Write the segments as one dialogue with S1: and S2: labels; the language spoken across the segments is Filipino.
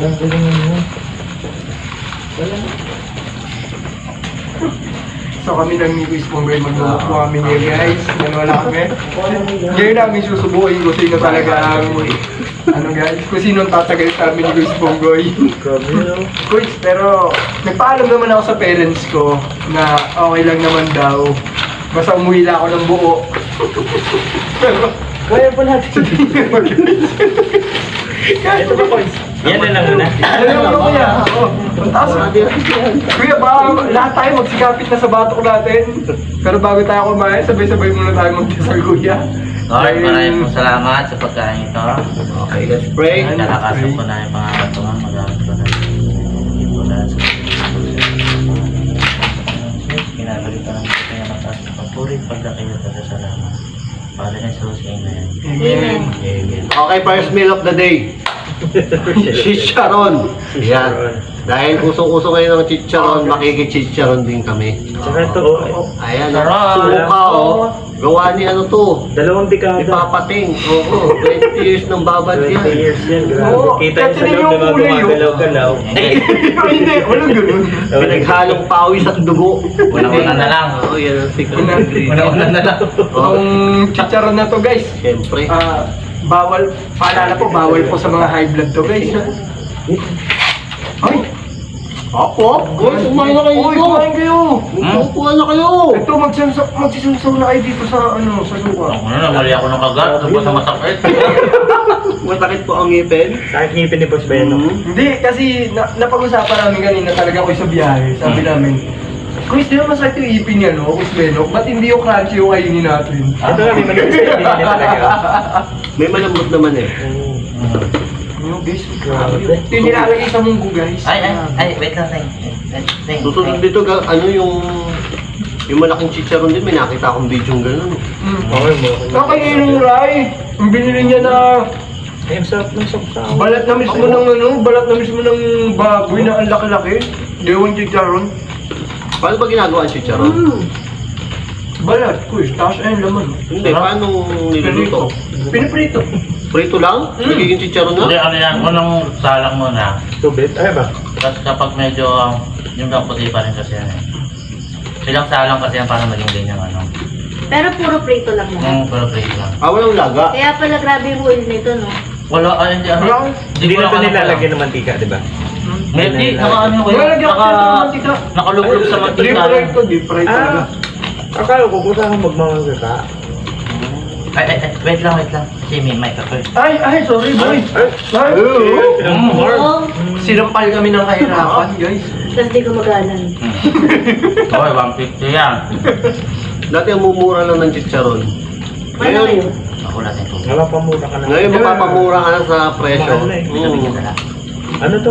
S1: Galing mo. Wala.
S2: So kami ng Nico Spongboy magluluto kami ngayon guys. Wala kami. Ngayon namin susubukin kung sino talaga ang ano guys, kung sino ang tatagal sa amin ni Spongboy. Kuys, pero nagpaalam naman ako sa parents ko na okay lang naman daw. Basta umuwi lang ako ng buo. Pero
S1: Kaya pa natin. Ito ba, Koys? Yan na lang muna.
S2: ano mo kuya? Taas. Kuya, baka lahat tayo magsikapit na sa batok natin. Pero bago tayo kumain, sabay-sabay muna tayo magdasal kuya.
S3: Lord, maraming pong salamat sa pagkain ito.
S4: Okay, let's pray.
S3: Nalakasan ko na yung pangalan ko nga. Magamit ko na yung bulan sa kinabalik ka ng kaya mataas na pagpuri, pagdakay na salamat. Para na sa Amen.
S2: Amen.
S3: Amen.
S4: Okay, first meal of the day. Chicharon. Yan. Dahil usong-uso ngayon ng chicharon, makikichicharon din kami.
S1: Tsaka ito,
S4: Ayan,
S3: Sarap.
S4: suka oh. Gawa ni ano to?
S1: 2 dekada.
S4: Ipapating. Oo, 20 years ng babad
S1: 20
S4: yan.
S1: years yan, grabe.
S2: Oo,
S1: Kita yung sa
S2: kasi
S1: loob
S2: yung
S1: na mga
S2: kulay, oh.
S1: gumagalaw-galaw.
S2: Hindi, walang ganun.
S4: Pinaghalong pawis at dugo.
S3: Una-una na lang.
S4: Oo, yan ang secret
S2: Una-
S4: ingredient.
S3: Una-una na lang.
S2: Ang chicharon na to guys,
S4: Siyempre.
S2: bawal, paalala po, bawal po sa mga high blood to guys. Ay!
S4: Opo, guys, kumain na kayo.
S2: Uy, kumain kayo!
S4: Kumain na kayo.
S2: Ito, magsisunsaw na kayo dito sa, sa suka.
S3: Ako na, namali ako ng kagat. Ano ba sa masakit?
S4: Masakit po ang ngipin.
S1: Sakit ngipin ni Boss Beno.
S2: Hindi, kasi napag-usapan namin kanina talaga ko sa biyahe. Sabi namin, Chris, di ba masakit yung ipin niya, no? Chris Benok, ba't hindi yung crunchy yung kainin natin?
S1: Ito nga, may manipis na hindi niya talaga.
S4: May malambot naman eh.
S2: Ano, guys?
S1: Grabe.
S2: Ito yung nilalagay sa munggo, guys.
S3: Ay, wait lang, Teng.
S4: Susunod dito, ano yung malaking chicharon din, may nakita akong video ng gano'n.
S1: Okay mo.
S2: Kakay yung Rai, ang binili niya na
S1: Ay, ang sarap ng sapsaw.
S2: balat na mismo ng balat na mismo ng baboy na ang laki-laki. Dewang chicharon.
S4: Paano ba ginagawa ang chicharon?
S2: Balat, kuis, tapos ayun laman.
S4: Hindi, paano niluluto?
S2: Piniprito.
S4: Prito lang? Nagiging chicharon
S3: Hindi,
S4: na?
S3: ano yan, unang salang muna.
S1: Tubit? Ay ba?
S3: Tapos kapag medyo, yung puti pa rin kasi yan eh. Silang salang kasi yan para maging ganyan ano.
S5: Pero puro prito lang mo.
S3: Pero plate lang.
S4: Walang laga.
S5: Kaya pala grabe yung oil nito, no?
S3: Wala, hindi ano.
S2: Wala.
S1: Hindi na ito nilalagyan ng mantika, di ba?
S3: Hindi, naka ano ko
S2: Wala
S3: yun.
S2: lagyan ko sa mantika.
S3: Nakalublob sa mantika.
S2: Deep fried to, deep fried talaga.
S1: Akala ko kung saan magmamagkaka.
S3: Ay, wait lang. Kasi may mic ako eh.
S2: Ay, sorry boy. Ay,
S5: Oo.
S2: sinampal kami ng kahirapan, guys.
S5: Tapos di ko magalan.
S3: Okay, 150 yan.
S4: Dati ang mumura lang ng chicharon.
S5: Ano
S4: Ngayon,
S5: kayo?
S3: Ako natin ito.
S1: Wala pa mura ka na.
S4: ngayon mapapamura ka na sa presyo.
S1: Mahal na eh.
S3: Sabi ka na.
S1: Ano to?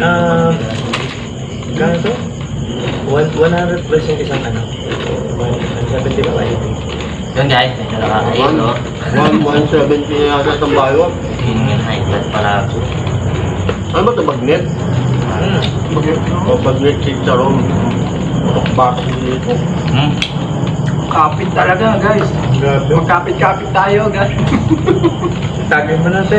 S1: Kano to? 100 plus yung isang ano. 170 ba?
S3: Yun guys, medyo nakakain.
S4: Ano? 170 na yata itong bayo.
S3: Yung high blood pala.
S4: Ano ba ito? Bagnet? O bagnet chicharon. Batok dito.
S2: Kapit talaga, guys.
S1: Grabe.
S2: Magkapit-kapit tayo, guys.
S1: Tagay mo natin.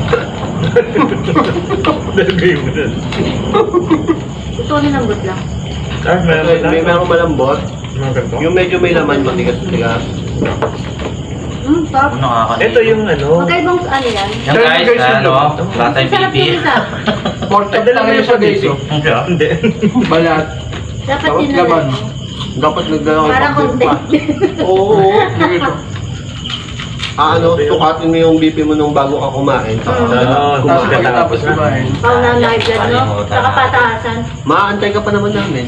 S1: Dalagay mo na.
S5: Gusto ko nilambot lang.
S1: Ah,
S4: May merong malambot.
S1: Mga ganito.
S4: Yung medyo may laman, matigas-tigas.
S5: Sarap.
S3: Ano nakakain?
S1: Ito yung ano.
S5: Magkaibang ano yan?
S3: Yan guys, ano, batay
S5: Sarap
S3: pipi.
S5: yung isa.
S2: Pork chop lang yun siya, guys. oh.
S1: Hindi.
S2: Balat.
S5: Dapat
S2: Tapos
S5: din
S2: laman.
S5: na
S4: Dapat nagdala ko
S5: para
S4: ng pa.
S5: content.
S4: Oo. Sukatin mo yung BP mo nung bago ka kumain.
S1: Oo,
S2: Tapos
S1: tapos
S2: pagkatapos kumain.
S5: Pao na high blood, no? Saka pataasan.
S4: Maantay ka pa naman namin.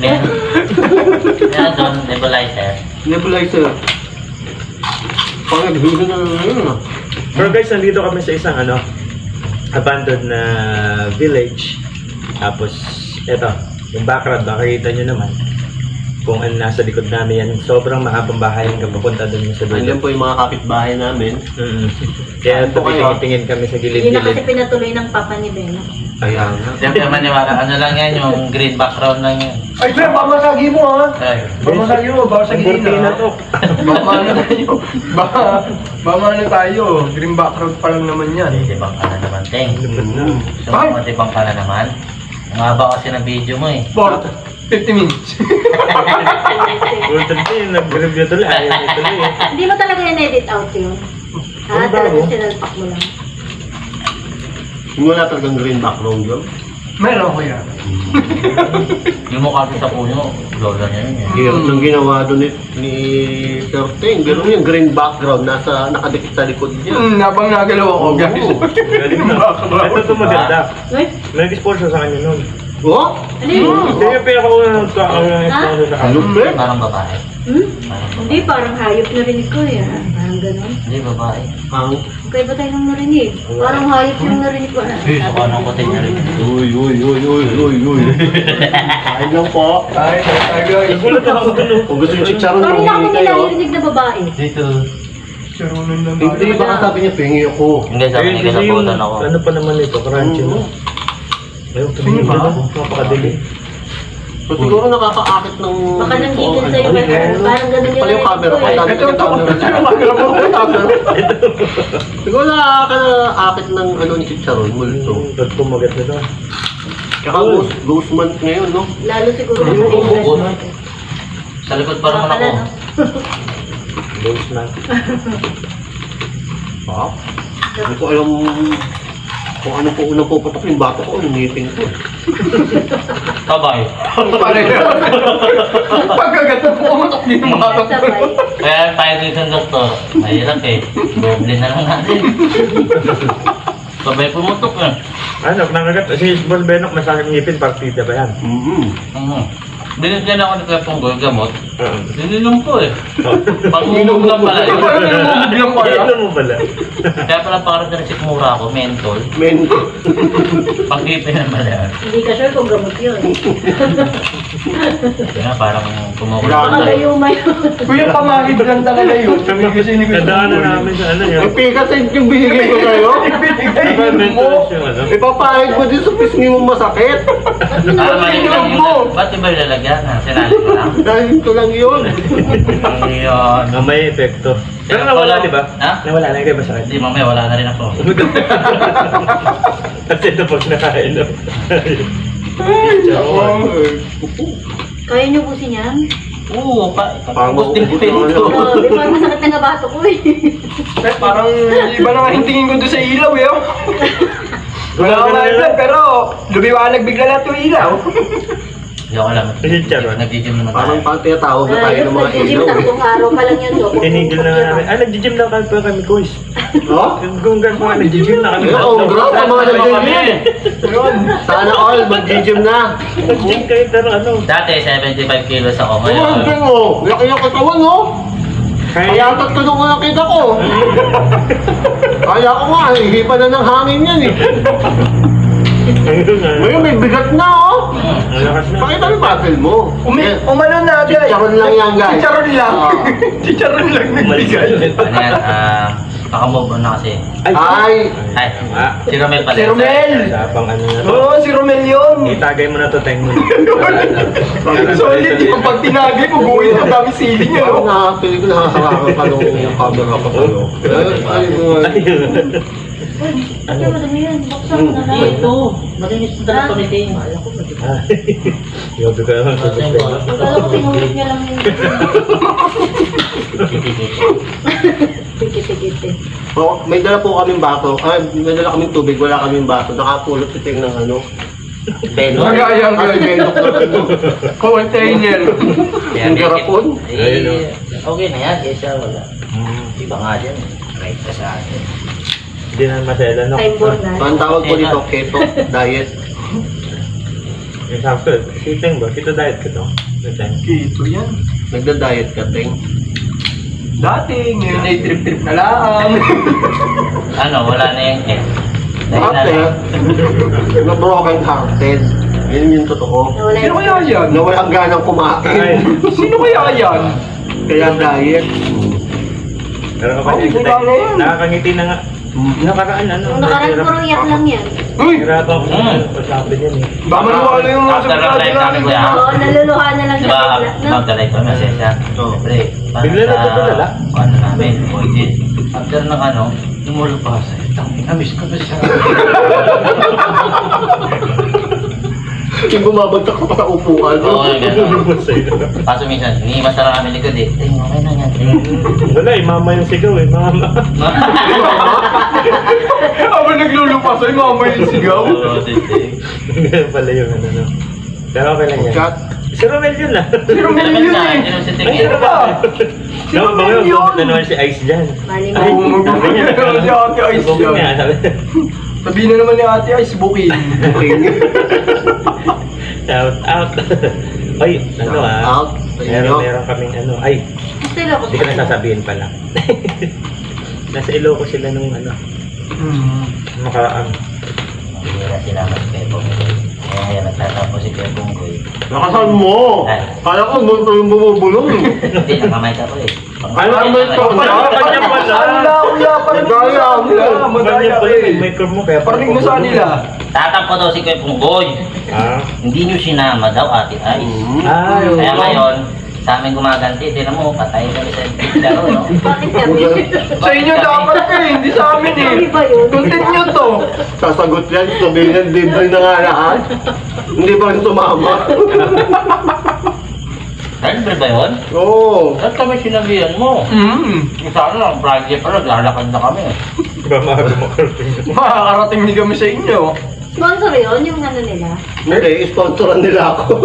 S3: Yan doon, nebulizer.
S4: Nebulizer. Pang-abuse na yun ah.
S1: Pero guys, nandito kami sa isang ano, abandoned na village. Tapos, eto, yung background, makikita nyo naman kung ano nasa likod namin yan. Sobrang mahabang bahay yung papunta doon sa
S4: Andyan
S1: dulo.
S4: po yung mga kapitbahay namin.
S1: Kaya
S4: Po kayo.
S1: tingin kami sa
S5: Hindi na kasi
S1: gilid-gilid.
S5: pinatuloy ng papa ni Beno.
S4: Kaya nga.
S3: Siyempre maniwala, ano lang yan, yung green background lang yan.
S2: Ay, Fer, pamasagi mo, ha?
S3: Ay,
S2: Pamasagi mo, baka sa
S1: Ang kurtina
S2: gilina.
S1: to.
S2: Baka ano tayo. Baka ano tayo. Green background pa lang naman yan.
S3: hindi bang ano naman. Teng.
S1: Lupit na.
S3: Sumatibang ka na naman. Ang haba kasi ng video mo eh.
S2: 50 minutes.
S1: Bultan din, nag-review tuloy. Ayaw niya tuloy eh.
S5: Hindi mo talaga in-edit out yun?
S1: Ano ba,
S5: Talagang
S1: oh?
S5: sinalpak mo lang.
S4: Wala talagang green background yun.
S2: Meron ko yan.
S3: Yung mukha ko sa puno, lola niya yun eh.
S4: Hirap ng ginawa doon ni Sir Ting. Pero yung green background, nakadikit sa likod niya.
S2: Nabang nagalaw ako, guys.
S1: Galing na. Ito ito maganda.
S5: Uy,
S1: May nag-sponsor sa kanya nun.
S4: Oh?
S5: ano yun?
S1: Hindi yung pinakaunang sponsor sa kanya.
S4: Lupit.
S3: Parang babae.
S5: Hmm?
S3: Parang babae.
S5: Hindi, parang hayop narinig ko eh. Parang gano'n.
S3: Hindi, babae.
S4: Ang...
S5: Okay ba tayo nang narinig? Parang hayop yung narinig ko.
S3: Saka nung kote niya rin.
S4: Uy. Kain lang po.
S2: Ay, guys.
S1: Nagulat ako dun.
S4: Kung gusto yung chicharon,
S5: Parang ako
S4: humingi kayo.
S5: nilarinig na babae.
S3: Dito.
S2: Charunan lang.
S4: Hindi, baka sabi niya, pingi ako.
S3: Hindi, sabi
S1: Ayun,
S3: niya
S1: kasi yung,
S3: kinabutan ako.
S1: ano pa naman ito, crunchy mo. Ayun, tumingin
S2: Sino ba?
S1: ka na. Napakadili.
S4: So siguro nakakaakit ng...
S5: Baka nanggigil sa'yo.
S1: ano yan?
S5: Parang gano'n yung
S4: Pala yung camera ko.
S5: narinig ko eh.
S4: Ito, siguro nakakaakit ng ano ni chicharon, multo.
S1: Ba't kumagat na ito?
S4: Tsaka ghost month ngayon, no?
S5: Lalo siguro
S1: Ayun,
S5: sa
S1: oo,
S5: invest
S3: oo.
S5: natin.
S3: Sa likod pa naman ako.
S1: Ghost na.
S4: Ha? Hindi ko alam kung ano po unang puputok yung bato ko, yung ngipin ko.
S3: Kabay.
S2: Pareho. Pagkagato po, umatok din yung mga
S5: Sabay.
S3: Kaya tayo dito ng doktor. Mahirap eh. Doble na lang natin. Sabay pumutok eh.
S1: Ano, nangagat. Si Boss Benok, masakit ngipin, partida ba yan?
S3: Binigyan ako ni Kuya Punggoy gamot.
S1: Oo.
S3: Dininom ko eh. Panginom lang pala yun.
S2: Parang nilumubig lang pala.
S1: Ano mo pala?
S3: Kaya pala parang na-receive mura ako, mentol.
S4: Men,
S3: Pangkipin na pala yan.
S5: Hindi ka sure kung gamot yun.
S3: Kaya parang kumukulo.
S5: Baka gayuma yun.
S2: Kuya, pamahid lang talaga yun. Kasi ni Kuya
S1: Kadaanan
S2: Punggoy.
S1: namin sa ano yun.
S4: may pikasin yung binigay ko kayo.
S2: Ibinigay
S1: Diba,
S2: mo.
S1: mentors yung ano?
S4: Ipapahid mo din sa pisngi mo masakit.
S3: Ah, mali
S2: Tingnan
S3: lang
S2: mo.
S3: yun. Ba't iba ilalagyan? Ha? Sinali ko lang.
S4: Dahil ito lang yun.
S3: Ayun.
S1: Ah, may epekto. Pero nawala, di ba?
S3: Ha?
S1: Nawala na kayo ba sakit?
S3: Hindi, mamaya wala na rin ako.
S1: Kasi ito pag nakain. no?
S5: Kaya niyo busin yan?
S3: Oo,
S4: Parang
S3: gusto din
S4: maubos na
S3: ito.
S4: ano.
S5: Di ba masakit na nga bato ko eh.
S2: Parang iba naman yung tingin ko doon sa ilaw eh. oh. Wala akong high pero lumiwanag bigla lang itong ilaw.
S3: Hindi ako alam.
S1: Chicharon.
S3: Nag-gym naman
S4: Parang
S3: tayo.
S4: pang tinatawag na tayo
S5: Ayun,
S4: ng mga
S5: nag-gym
S4: ilaw.
S5: tatlong araw pa lang yan. So,
S1: Tinigil na nga namin. Ah, nag-gym na kami, Kuys.
S4: No?
S1: Kung gano'n pa, nag-gym na kami.
S4: Oo, grabe ang mga nag-gym.
S2: Yun.
S4: Sana all, mag-gym na.
S1: Nag-gym kayo, pero ano?
S3: Dati, 75 kilos ako.
S4: Oo,
S3: Ngayon,
S4: hindi mo. Laki yung katawan, no? Kaya
S1: Kaya,
S4: tatlo ko nakita ko. Kaya ko nga, hihipan na ng hangin yan eh.
S1: ayun nga.
S4: Ngayon may bigat na, oh.
S1: Ang lakas na.
S4: Pakita mo yung battle mo.
S2: Umano na guys.
S4: Chicharon lang yan, guys.
S2: Chicharon lang.
S4: Ah.
S2: Chicharon lang nagbigay.
S3: ano yan, naka-move on na kasi.
S4: Ay,
S3: Ay,
S1: Ah.
S3: si Romel pala.
S2: Si Romel.
S1: Sapang ano na to.
S2: Oo, si Romel yun.
S1: Itagay mo na to, Teng mo.
S2: Solid yung pag tinagay mo, buhay na dami siling yun.
S4: parang
S2: oh.
S4: nakapili ko nakakarakan ka nung camera ko sa'yo.
S5: Ano madami yan? Buksan mo na lang.
S3: Ito, malinis na dala ko ni Ting. Alam ko,
S1: Yobi ka naman sa Boss Benok.
S5: Akala ko sinulit niya lang yun. Tikit-tikit.
S4: Oh, may dala po kaming baso. May dala kaming tubig, wala kaming baso. Nakapulot si Ting ng ano.
S3: Belo.
S2: Magayang
S4: Kasi
S2: yun.
S4: benok na ano.
S2: Container.
S3: Kaya
S4: Yung garapon?
S3: Eh, okay na yan, kaysa wala.
S1: Hmm.
S3: Iba nga dyan. Right ka sa akin.
S1: Hindi na masela, no?
S5: Time bomb na.
S4: Ang tawag ko dito, keto diet.
S1: Yung sakto, si Teng ba? Kita diet ka to. Si Teng.
S2: Ito yan.
S4: Nagda-diet ka, Ting.
S2: Dati, ngayon ay trip-trip na lang.
S3: Ano, wala na yung eh. Dahil na
S4: Ate,
S3: lang.
S4: na broken hearted. Yun yung totoo.
S5: Nawala
S2: Sino
S5: yung...
S2: kaya yan?
S4: Na walang ganang
S1: Ay,
S4: kumain.
S2: Sino kaya yan?
S4: Kaya diet.
S1: pero ako
S2: Okay,
S1: dito,
S2: wala na yan.
S1: Teng. Nakakangiti na nga. Nakaraan, ano?
S5: Yung nakaraan puro iyak lang yan.
S2: Uy!
S1: Hirapan ko na pasabi niyan eh.
S2: Baka maniwala yung mga
S3: After ng live namin, kuya.
S5: Oo, naluluha na lang
S3: Di
S5: siya
S3: ba,
S5: bigla. No?
S3: magdalay ko na siya.
S4: Oo.
S3: Siyempre, parang
S1: Bigla na
S3: sa-
S1: tutulala?
S3: Ano namin, voided. After ng ano, Lumulupas. Namiss ko na siya.
S4: Yung bumabagtak ka pa sa upuan.
S3: Oo, gano'n.
S1: Lumabas sa'yo.
S3: Kaso minsan, hinihimas na lang kami likod eh. Ting, okay na yan, ting.
S1: Wala eh, mama yung sigaw eh, mama.
S2: Habang naglulupas ay mama yung sigaw.
S3: Oo, ting.
S1: Ganun pala yung ano, no. Pero okay lang yan.
S4: Chat.
S1: Si Romel yun ah.
S2: Si Romel
S3: Naman
S2: yun
S3: na,
S2: eh.
S3: hindi naman si Ting
S1: Ay,
S3: eh.
S1: ano ba?
S2: Si
S1: No,
S2: Romel
S1: mga
S2: yun.
S1: na naman si Ice dyan.
S5: Mali
S1: Ay,
S2: Oo,
S1: sabi niya,
S2: mag-Google si Ate Ice
S1: Google
S2: dyan.
S1: niya, sabi.
S2: Sabihin na naman ni Ate Ice, booking.
S1: Shout out. Ay, ano ah.
S4: Out sa inyo.
S1: Meron kaming ano. Ay,
S5: Still ako.
S1: hindi ko na sasabihin pala. Nasa Ilocos sila nung ano. Makaraan.
S3: Bihira sila mas Kuya Bonggoy. Kaya yan, nagtatapos si Kuya Bonggoy.
S4: Nakasan mo! Kala ko multo yung bumubulong.
S3: Hindi, nakamay ka ko eh.
S4: Ay, nakamay ka.
S1: Kanya pala.
S2: Wala, parang
S4: Madaya mo.
S2: Madaya
S1: Kanya
S2: ka
S1: pala
S2: eh.
S1: yung micro mo kaya
S2: Parinig mo sa kanila.
S3: Tatampo daw si Kuya Bonggoy.
S1: Ah.
S3: Hindi nyo sinama daw, Ate Ice.
S1: Ah, yung...
S3: Kaya ngayon, sa amin gumaganti, tinan mo, patay kami sa laro, no?
S5: Bakit kami?
S2: Sa inyo dapat eh, hindi sa amin eh.
S5: Kami ba yun?
S2: Content nyo to.
S4: Sasagot yan, sabihin yan, libre na nga lahat. Hindi pa rin sumama.
S3: Libre ba yun?
S4: Oo.
S3: Saan kami sinabihan mo? Sana lang, Friday pa lang, lalakad na kami.
S1: Iba maaga makarating.
S2: Makakarating din kami sa inyo.
S5: Sponsor yun, yung ano nila.
S4: Hindi, sponsoran nila ako.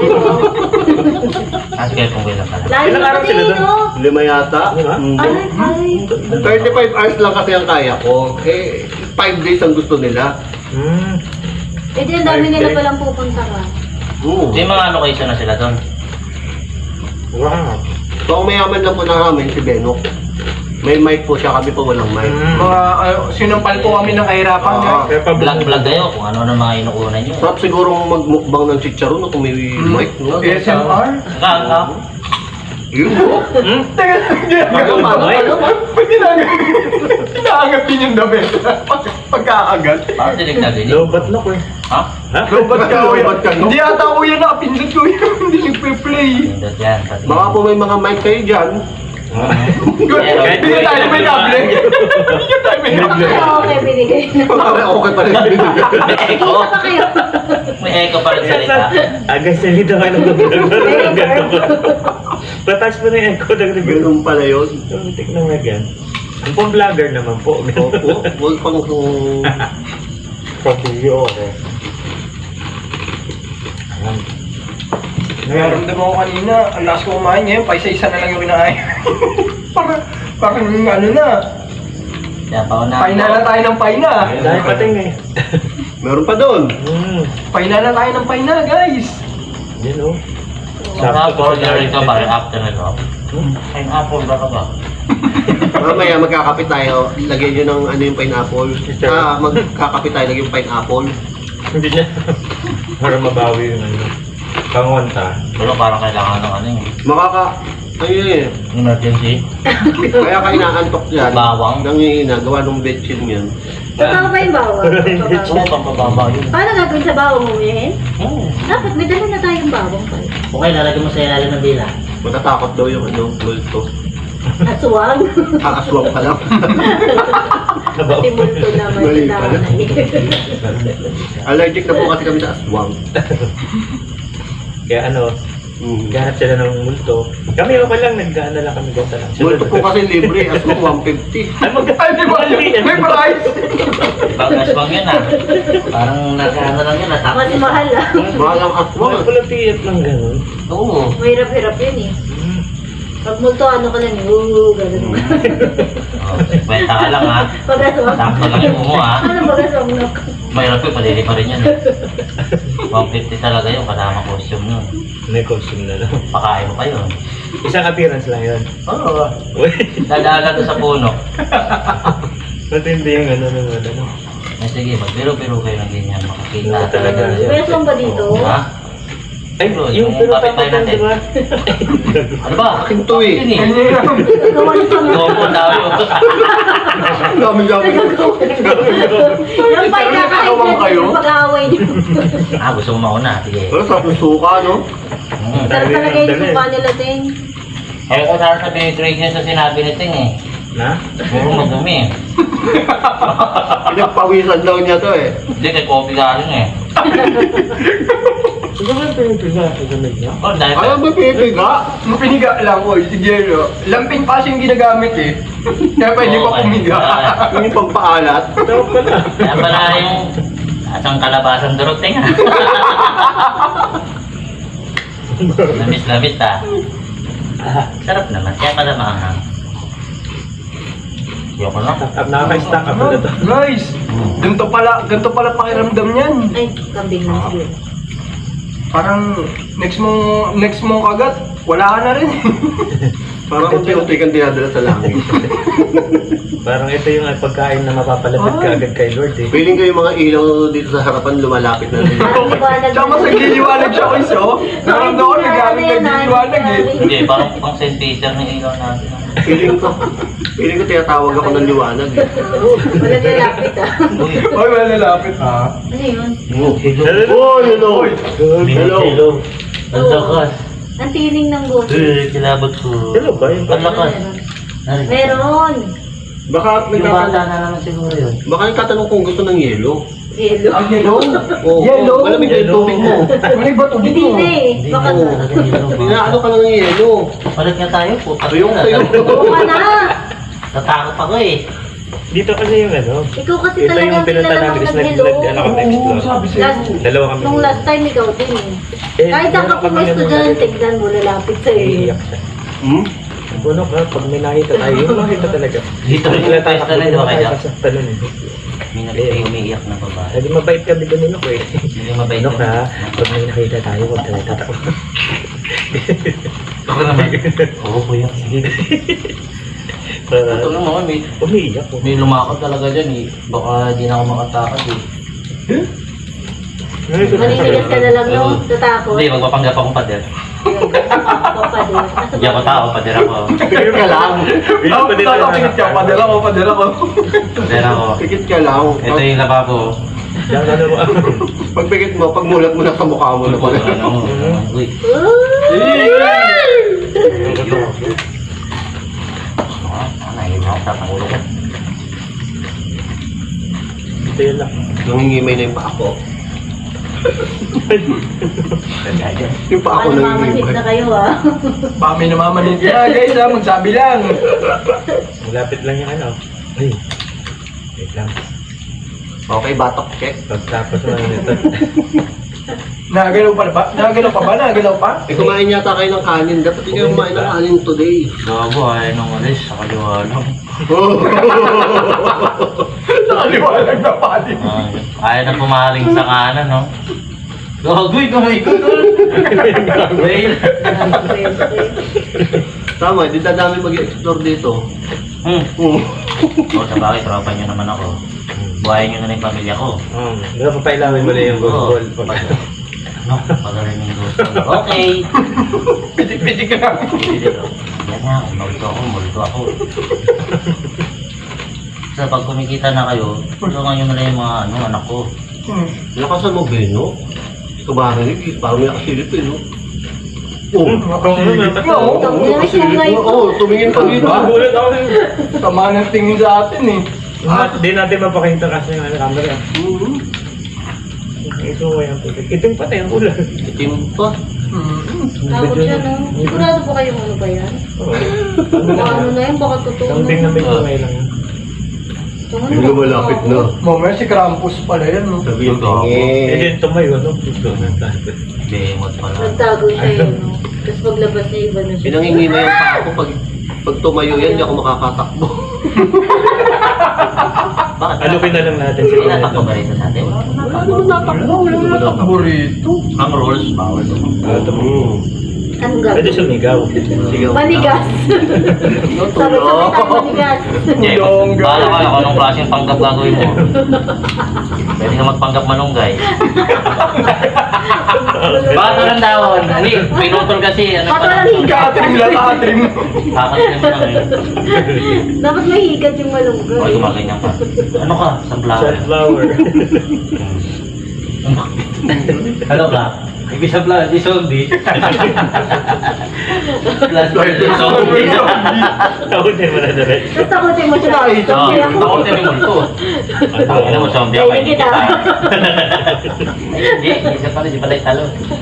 S3: At Kuya Bonggoy lang pala.
S5: Layo
S1: Ilang araw
S5: kasi,
S1: sila doon?
S5: no?
S4: 5 yata.
S1: Diba?
S5: Ay.
S4: 35 hours lang kasi ang kaya ko. Eh, 5 days ang gusto nila.
S1: Hmm.
S5: Eh, di ang dami nila palang pupunta ka.
S3: May mga location na sila doon.
S1: Wow.
S4: So, ang mayaman lang po na namin, si Benok. May mic po siya, kami po walang mic.
S2: Mga sinampal po kami ng kahirapan guys.
S1: Kaya pa
S3: Vlog-vlog kayo kung ano na mga inukunan nyo.
S4: Sarap siguro magmukbang ng chicharon no, kung may mic, no?
S2: ASMR?
S3: Saka,
S4: Yun, no?
S2: Teka,
S4: Paano?
S2: ba't inaangat din yung damit? Pagkaagat.
S3: parang dinig na dinig.
S1: Lobat na ko eh.
S3: Ha?
S1: Ha?
S2: Lobat ka o
S4: Lobat ka, no?
S2: Hindi ata ko yan nakapindot ko yun. Hindi nagpe-play.
S3: Pindot yan. pati.
S4: Baka po may mga mic kayo dyan.
S2: Hindi tayo may kable. Hindi tayo may kable.
S5: Okay, binigay na.
S4: Okay pa rin.
S3: Echo.
S5: Kita pa kayo.
S3: May echo pa rin salita.
S1: Agad sa nito ka nang Patas mo na yung echo ng review.
S4: Ganun pala yun.
S1: Tuntik na nga yan. Ang pong vlogger naman po.
S4: Opo, huwag pang
S1: Pag-video ako. Ayan.
S2: Naramdaman ko kanina, ang lakas ko kumain ngayon, pa isa-isa na lang yung kinain. Parang ano na,
S3: Kaya pa una.
S2: paina na tayo ng paina.
S1: Dahil pating eh.
S4: Meron pa doon.
S2: Paina na tayo ng paina, guys.
S1: Yan o.
S3: Sarap order ito para after nito. Pineapple ba ka ba?
S4: Mamaya magkakapit tayo. Lagyan nyo ng ano yung pineapple. Magkakapit tayo, lagyan yung pineapple.
S1: Hindi niya. Para mabawi yung ano. Pangonta.
S3: Pero parang kailangan ng ano yun.
S4: Ayun eh.
S3: Emergency.
S4: Kaya ka inaantok yan.
S3: Bawang.
S4: Nangihina, gawa ng betchin yan.
S5: Totoo ba yung bawang?
S3: Oo, pampababa yun.
S5: Paano gagawin sa bawang umihin?
S3: Oo.
S5: Dapat may dala na tayong bawang pa.
S3: Okay, lalagyan mo sa ilalim ng dila.
S4: Matatakot daw yung ano, multo.
S5: Aswang.
S4: Aswang pa lang.
S5: Timulto naman.
S4: Mali
S5: kita
S4: pala. Allergic na po kasi kami sa aswang.
S1: Kaya ano, ganap sila ng multo. Kami okay lang, nag-ano lang kami gata lang.
S4: Multo po kasi libre, aswang 150.
S1: Ay,
S2: Ay, di ba yun? May price!
S3: Ibang aswang yun ah. Parang nakaano lang yun, natapos.
S5: Mas mahal ah.
S4: Mahal ang aswang.
S1: Mga pala tiyat lang gano'n.
S3: Oo.
S5: Mahirap-hirap yun eh. Pag multo, ano ka lang, gano'n.
S3: Oh, kwenta ka lang ha.
S5: Pag-aswang.
S3: Sakto lang yung mo ha.
S5: Ano pag-aswang na?
S3: Mahirap yun, padili pa rin yun eh. 150 talaga yun, kasama costume nun.
S1: May costume na lang.
S3: Pakain mo pa yun.
S1: Isang appearance lang yun.
S3: Oo.
S1: Uy,
S3: Dadaan lang doon sa puno.
S1: matindi yung ano ng ano.
S3: Eh sige, magbiro-biro kayo ng ganyan. Makakita
S1: Oo, talaga.
S5: May aswang ba dito?
S3: Ha?
S1: Ay,
S3: Bro,
S1: yung
S3: yung
S1: pero
S3: kapitbahay
S1: tapos
S3: natin.
S1: di ba?
S3: Ano ba?
S4: Akin to eh.
S3: Yun eh.
S5: Gawa ng pang-
S3: Gopo daw yun.
S4: Dami-dami.
S5: Yung pa
S2: Nagkakawang kayo?
S5: yung pag-aaway niyo.
S3: Ah, gusto mo mauna. Sige.
S4: Pero sa suka, no?
S5: Sarap talaga yung suka nila, Ting.
S3: Kaya ko sana sabihin trade niya sa sinabi ni Ting eh.
S1: Na?
S3: Puro madumi eh.
S4: Pinagpawisan daw niya to eh.
S3: Hindi, kay coffee galing eh.
S1: Ito ba yung pinipila sa gamit niya?
S3: Oh, dahil
S4: Ayaw ba pinipiga?
S2: Mapiniga lang ko, sige no. Lamping pa siyang ginagamit eh. Kaya pwede pa pumiga.
S4: Yung pampaalat.
S1: Tawag ka na.
S3: Kaya pala yung asang kalabasan duroteng ah. Lamis-lamis ah. Sarap naman, kaya pala maanghang. Yoko na.
S1: Nakaka-stack up na ito.
S2: Guys, ganito pala pakiramdam niyan.
S5: Ay, kambing na siguro.
S2: Parang next mong kagat, wala ka na rin.
S4: Parang unti-unti kang dinadala sa langit.
S1: Parang ito yung pagkain na mapapalapit ka agad kay Lord eh.
S4: Feeling ko yung mga ilaw dito sa harapan lumalapit na rin.
S2: Tsaka mas nagliliwanag siya ko iso. Naramdaman ko nagliliwanag eh.
S3: Hindi, parang pang St. Peter ng ilaw natin.
S4: Feeling ko tinatawag ako ng liwanag eh.
S5: Wala lalapit ah.
S3: Uy,
S2: Oy, wala lalapit ha.
S5: Ano yun?
S4: Oh, hello!
S3: hello. Ang lakas.
S5: Ang tining ng buto.
S3: Kilabot ko.
S1: Hello ba? Yung
S3: Ang lakas.
S5: Meron.
S4: Baka
S3: Yung bata na naman siguro yun.
S4: Baka nagtatanong kung gusto ng yelo.
S5: Yelo.
S2: Ang yellow?
S4: Oo.
S2: Yellow?
S4: Malamig na yung tubig mo.
S2: Malamig ba tubig
S5: Hindi
S2: mo?
S5: na eh. Baka
S4: Inaano ka lang ng yelo.
S3: Palit nga tayo po.
S4: Ayoko sa'yo.
S5: Oo ka na.
S3: Natakot ako eh.
S1: dito kasi yung ano.
S5: Ikaw kasi
S1: Ito
S5: talaga
S1: yung pinunta namin is ano kami explore.
S2: sabi
S5: Last,
S2: sa'yo.
S1: Dalawa kami.
S5: nung last time ikaw din eh.
S1: Eh,
S5: Kahit saan ka
S1: kami
S5: pumasto
S1: naman
S5: dyan,
S1: natin.
S5: tignan mo, lalapit sa'yo.
S1: Iiyak siya.
S4: Hmm?
S1: Puno ka, pag may nakita tayo, yung makita talaga.
S3: Dito rin yung pesta na, di ba kayo?
S1: Sa talon eh.
S3: May nakita yung umiiyak na babae.
S1: Sabi mabait kami doon nino ko eh.
S3: Hindi mabait
S1: Ano
S3: yun.
S1: ka, pag may nakita tayo, huwag tayo tatawa.
S3: Ako naman. Oo, kuya. Sige. Ito lang naman,
S1: Umiiyak ko.
S3: may lumakad talaga dyan eh. Baka di na ako makatakad eh.
S5: Maninigas ka na lang no, tatakot.
S3: Hindi, magpapanggap akong pader.
S5: Papader.
S3: Hindi ako tao, pader ako.
S4: Pikit ka lang.
S2: Pikit ka, padala ko.
S3: Pader ako.
S4: Pikit ka lang.
S3: Ito yung lababo.
S1: Diyan ka na mo.
S4: Pag pikit mo, pag mulat mo na sa mukha mo na pala.
S3: Uy. Nahihirap ako sa pangulo ko.
S1: Ito yun lang.
S4: Nangingimay na yung paa ko. Yung paa ko
S5: Baka namamanhit
S4: nangingimay.
S5: na kayo ah.
S2: Baka may namamanit ka guys ha, magsabi lang.
S1: Malapit lang yung ano. Ay. Wait lang.
S4: Okay, batok check.
S1: Pagtapos na nito.
S2: Nagalaw pa ba? Nagalaw pa?
S4: Eh, kumain yata kayo ng kanin. Dapat hindi kayo kumain ng kanin today.
S3: Gago, ayaw nung ulis sa kaliwanag.
S2: Nakaliwalag na pati.
S3: Ayaw na pumaling sa kanan, no? Gagoy, kumikot. Wait.
S4: Tama, di dadami mag-explore dito.
S3: O, sa bagay, tropa nyo naman ako. Buhayin nyo na lang yung pamilya ko.
S1: Diba papailawin mo na yung
S3: Oo.
S1: goal.
S3: Ano? Pagaling yung gusto. Okay.
S2: Pitik-pitik ka lang.
S3: Yan nga, multo ako. So, pag kumikita na kayo, tulungan nyo na lang yung mga anak ko.
S4: Lakasan mo, Beno. Kabarinig, parang may nakasilip eh, no? Oh, nakasilip mo. Oh, tumingin pa dito.
S1: Gulat ako.
S2: Tama ng tingin sa atin eh.
S1: Hindi natin mapakita kasi yung camera. Ito ko yung putik. Ito yung patay ang ulan.
S4: Itim pa.
S5: Takot siya no. Sigurado ba kayong ano ba yan? Baka ano na yan, baka totoo
S1: Something na may kumay lang yan.
S4: Yung lumalapit na.
S2: Mamaya si Krampus pala yan no.
S4: Sabi yung
S1: Eh,
S4: tingin.
S1: din tumayo, no? Gusto na tayo.
S3: Demot pala.
S5: Nagtago siya yun no. Tapos paglabas niya iba na siya.
S4: Pinangingimay ang paa ko pag tumayo yan, hindi ako makakatakbo.
S3: Bakit?
S1: Alukin na lang natin si
S3: Tinatakbo ba rito sa atin?
S2: Wala na takbo rito.
S3: Ang rules, bawal to.
S5: Anong
S1: Pwede
S5: gagawin?
S1: sumigaw.
S4: Sigaw.
S5: Manigas. Sabay-sabay tayo manigas.
S2: Yung
S3: Bahala ka kung anong klaseng panggap gagawin mo. Pwede ka magpanggap malunggay. Bato ng dahon. Hindi, pinutol kasi. Ano pa lang?
S2: Katrim lang, katrim.
S3: Kakatrin mo lang eh.
S5: Dapat may higat yung
S3: Okay,
S5: malunggay.
S3: gumaganyan ka. Ano ka? Sunflower.
S1: Sunflower.
S3: Ano ka? Ibig sabihin, di zombie. Plus, zombie.
S1: Takutin mo na direct.
S5: Tapos takutin mo siya. Zombie ako.
S3: Ako din yung multo. Ano mo, zombie ako, hindi kita. Hindi siya pala, di pala talo.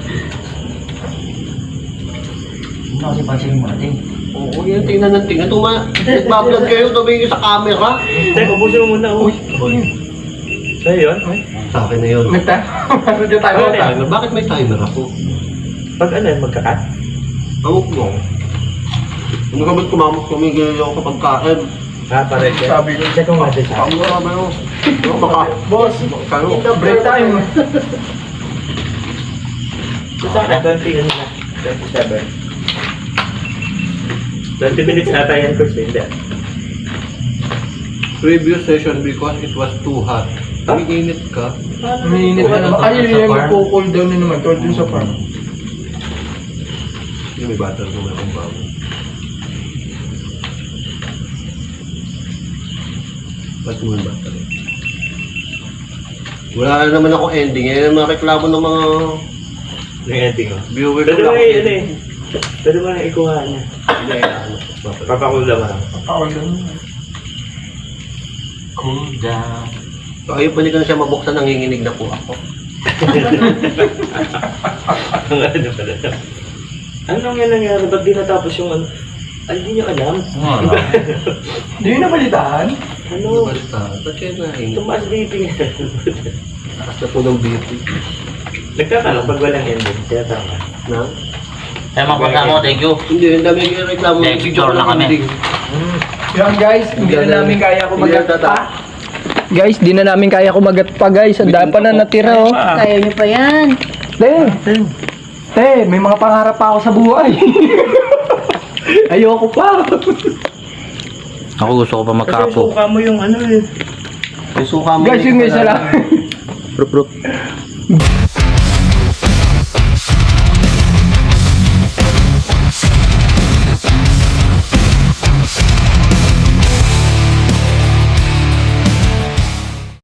S3: Ano kasi pansinin mo natin?
S4: Oo, yan, tingnan ng tingnan. Nagbablog kayo, tumingin sa camera.
S1: Teka, ubusin mo muna. Uy. Sa'yo yun?
S4: Sa akin na yun.
S2: Ano dyan tayo?
S4: Timer. Bakit may timer ako?
S1: Pag ano, magkakat?
S4: Amok mo. Ano ka ba't kumamok tumigil ako kapag kain?
S1: Para siya.
S2: Sabi ko.
S1: Check mo nga din sa
S4: Ang marami mo. Baka,
S2: Boss,
S4: kano?
S2: break time.
S1: Sa akin, 20 ano na. 27. 20 minutes ata yan, Chris. Hindi.
S4: Previous session because it was too hot. Umiinit ka.
S2: Umiinit na naman. Ay, yun yung magko-cool down na naman. Tol dun sa farm.
S4: Yung may butter naman akong bago. Ba't mo yung butter? Wala na naman ako ending. Yan ang mga reklamo ng mga
S1: Yung ending ko.
S4: viewers.
S1: Pwede mo ano eh. Pwede mo na ikuha niya.
S4: Hindi, ano, butter.
S1: Papakula mo lang.
S2: Ako doon.
S3: Cool down.
S4: So, ayun, pwede ko na siya mabuksan, nanginginig na po ako.
S1: Ang ano pala. Ano nga nangyari? Ba't di natapos yung ano? Ay, di nyo alam.
S3: Ano?
S2: Hindi yun napalitaan.
S1: Ano?
S4: Basta, ba't kayo nainit?
S1: Tumaas BP nga.
S4: Taas na po ng BP.
S1: Nagtatanong pag walang ending. Kaya tama.
S4: Na?
S3: Kaya magpunta mo, thank you.
S4: Hindi, ang dami yung reklamo.
S3: Next door na kami.
S4: ending.
S2: Yan guys, hindi na namin kaya
S4: Hindi na
S2: kumagat
S4: tata.
S2: pa. Guys, di na namin kaya kumagat pa guys. Ang dami pa na natira oh.
S5: Kaya niyo pa yan.
S2: Te, may mga pangarap pa ako sa buhay. Ayoko pa.
S3: Ako gusto ko pa
S1: Kasi
S3: magkapo.
S1: suka mo yung ano eh.
S4: May suka mo.
S2: Guys, yung isa lang.
S4: Rup, rup.